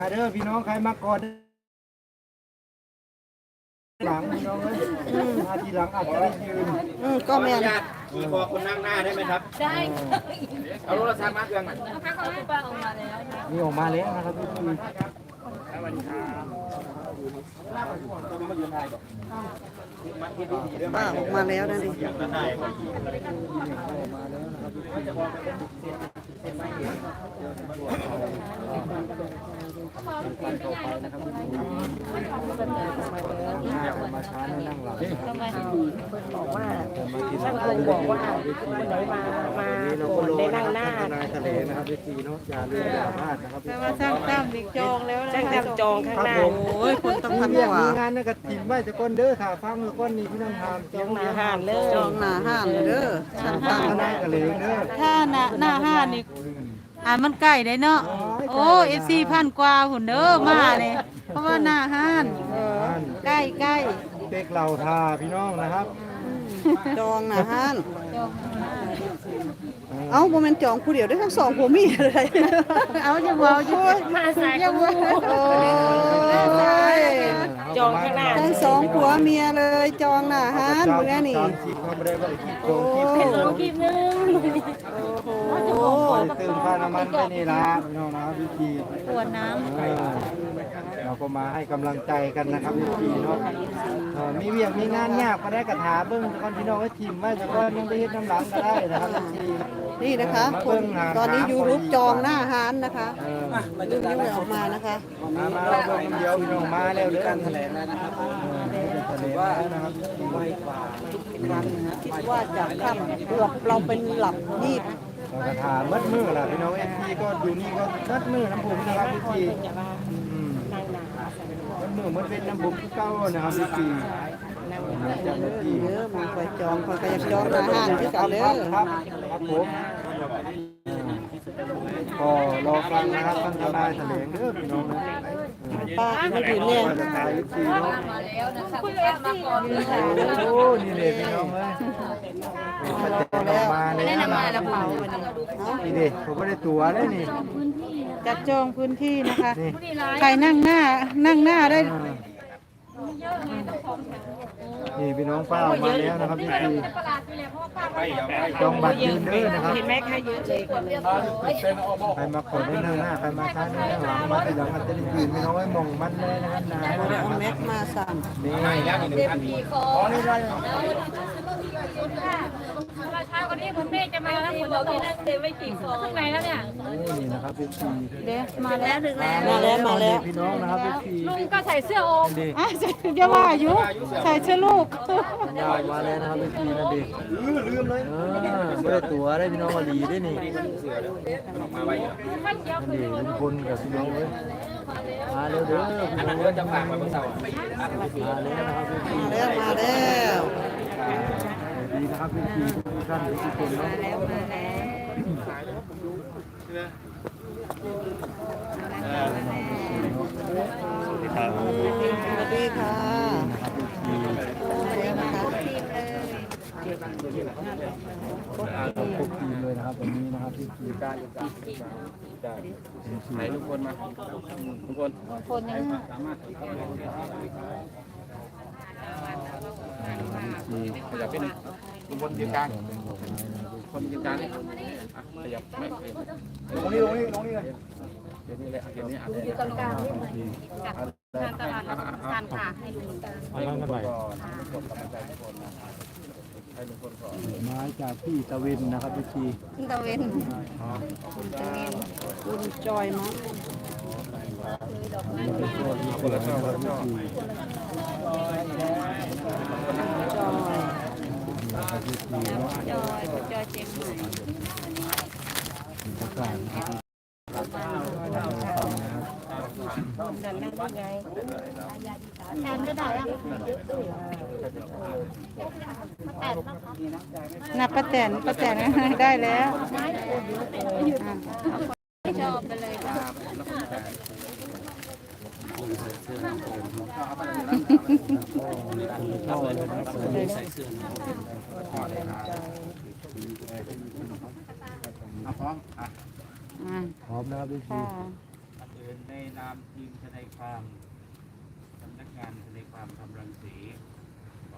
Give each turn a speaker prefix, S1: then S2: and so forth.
S1: เด้อพี่น้องใครมาก่อนหลังพี่น้องเลยมาทีหลังอาจจะได้ยืน
S2: ก็แม่น
S3: ขี่คอคนนั่งหน้าได้ไหมครับได้เอาโทรศัพท์มาเครื่องหน่อย
S1: มีออกมาแล้วนะครับพี่
S2: ป้าออกมาแล้วนะดิ
S1: มาช้านั่งหลัง
S2: บอกว่าช่างคงบอกว่าคนไหนมาก่อนได้นั่งหน้า
S1: ทะเลนะครับพี่เนาะอย่าลืมอย่าพลาดนะครับ
S4: แต่ว่าช่างตั้มอีกจองแล้วนะ
S2: ช่างตั้มจองข้างหน้าโอ้ยคนต้องทำกว่า
S1: มีงานนั่นก็ถิ่มไว้จะก้นเด้อถ้าฟังแล้วก้นนี้พี่น้องทำ
S2: จองหน้าห้านเลยจองหน้าห้านเด้อช่างตั้ม
S1: ทนายกะเหลงเด้อ
S4: ถ้าหน้าห้านี่มันใกล้ได้เนาะโอ้14,000 กว่าหุ่นเด้อมาเลยเพราะว่าหน้าห้านใกล้
S1: เด็กเหล่าทาพี่น้องนะครับ
S2: จองหน้าห้านเอาโมเมนต์จองผู้เดียวได้ทั้งสองผัวเมียเลย
S4: เอาจะบอกอยู่มาใส่ยังว่า
S2: จองข้างหน้าทั้งสองผัวเมียเลยจองหน้าห้านมึงแน่นี่
S1: โอ้
S4: คลิปนึง
S1: โหตื่นค่าน้ำมันไปนี่ละพี่น้องนะครับพี่ที
S4: ปวดน้
S1: ำเราก็มาให้กำลังใจกันนะครับพี่ทีเนาะมีเวียงมีงานยากก็ได้กระถาเบิ้งก่อนพี่น้องก็ทีมไว้แต่ก็ยังไปเฮ็ดน้ำหลังก็ได้นะครับพี่
S2: นี่นะคะคนตอนนี้ยูทูบจองหน้าห้านนะคะดูนิ้วออกมานะคะ
S1: มาเบิ้งเดียวพี่น้องมาแล้วเด้อการแถลงแล้วนะครับถือว่านะครับไวกว่า
S2: ทุกครั้งนะคิดว่าจะค่ำหลับเราเป็นหลับนี่
S1: กระถามัดมือล่ะพี่น้องFPก็อยู่นี่ก็มัดมือน้ำผมนะครับพี่ทีมัดมือมันเป็นน้ำผมเก้านะครับพี่ที
S2: เยอะมันคอยจองคอยอยากจองหน้าห้านที่เก่าเลย
S1: ครับผมก็รอฟังนะครับท่านทนายแถลงเด้อพี่น้องนะ
S2: ป้าไม่ถึงเนี่ย
S1: จะตายยุติเนาะโอ้นี่เลยพี่น้องเลยมาเลย
S4: มาแล้วเผา
S1: นี่เด็กผมไม่ได้ตั๋วเลยนี่
S4: จัดจองพื้นที่นะคะใครนั่งหน้าได้
S1: นี่พี่น้องป้ามาแล้วนะครับพี่ทีจองบัตรยืนเด้อนะครับ
S2: เห็นไหมคะยืนเลยกันเลย
S1: ใครมาขอได้หน้าใครมาช้าได้หลังมาทีหลังอาจจะได้ยืนพี่น้องไว้มองมันเลยนะครับนาย
S2: เอาแม็กมาสั่ง
S1: นี่
S4: นี่ไรเช้าวันนี้คุณแม่จะมาแล้วคุณบอกที่นั่งเต็มไม่กี่ของข้างในแล้วเนี่ย
S1: นี่นะครับพี่ที
S4: เด็กมาแล้วถึงแล้ว
S2: มาแล้ว
S1: พี่น้องนะครับพี่ที
S4: ลุงก็ใส่เสื้อโอมจะว่าอยู่ใส่เสื้อลูก
S1: มาแล้วนะครับพี่ทีนะเด็กลืมเลยไม่ได้ตั๋วได้พี่น้องมาลีได้นี่นี่ลุงพลกับพี่น้องเลยมาเร็วเด้อพี่น้อง
S3: จะฝากมาเมื่อเช้า
S1: มาแล้วนะครับพี่ที
S2: มาแล้ว
S1: ดีนะครับพี่ทีทุกท่านทุกคนเนาะ
S4: มาแล้ว
S2: สวัสดีค่ะ
S1: ครบทีมเลยนะครับวันนี้นะครับพี่ทีการ
S3: ใครทุกคนมาทุกคน
S4: ยัง
S3: สามารถขยับไปหนึ่งทุกคนยืนกลางคนยืนกลางขยับไม่ลงนี่เลยเดี๋ยวนี้เลยเดี๋ยวนี้
S4: อยู่กลางๆนี่กับทางตลาดทานค่ะให้ดู
S1: มาจากที่ตะเวนนะครับพี่ที
S4: ตะเวน
S2: คุณจอยมั้ง
S1: คนละช่อคนละช่อ
S4: จอยเจ็บแทนก็ได้นับป้าแตนได้แล้วชอบไปเลย
S1: พร้อมนะครับพี่ทีเป็นในนามทีมทนายความ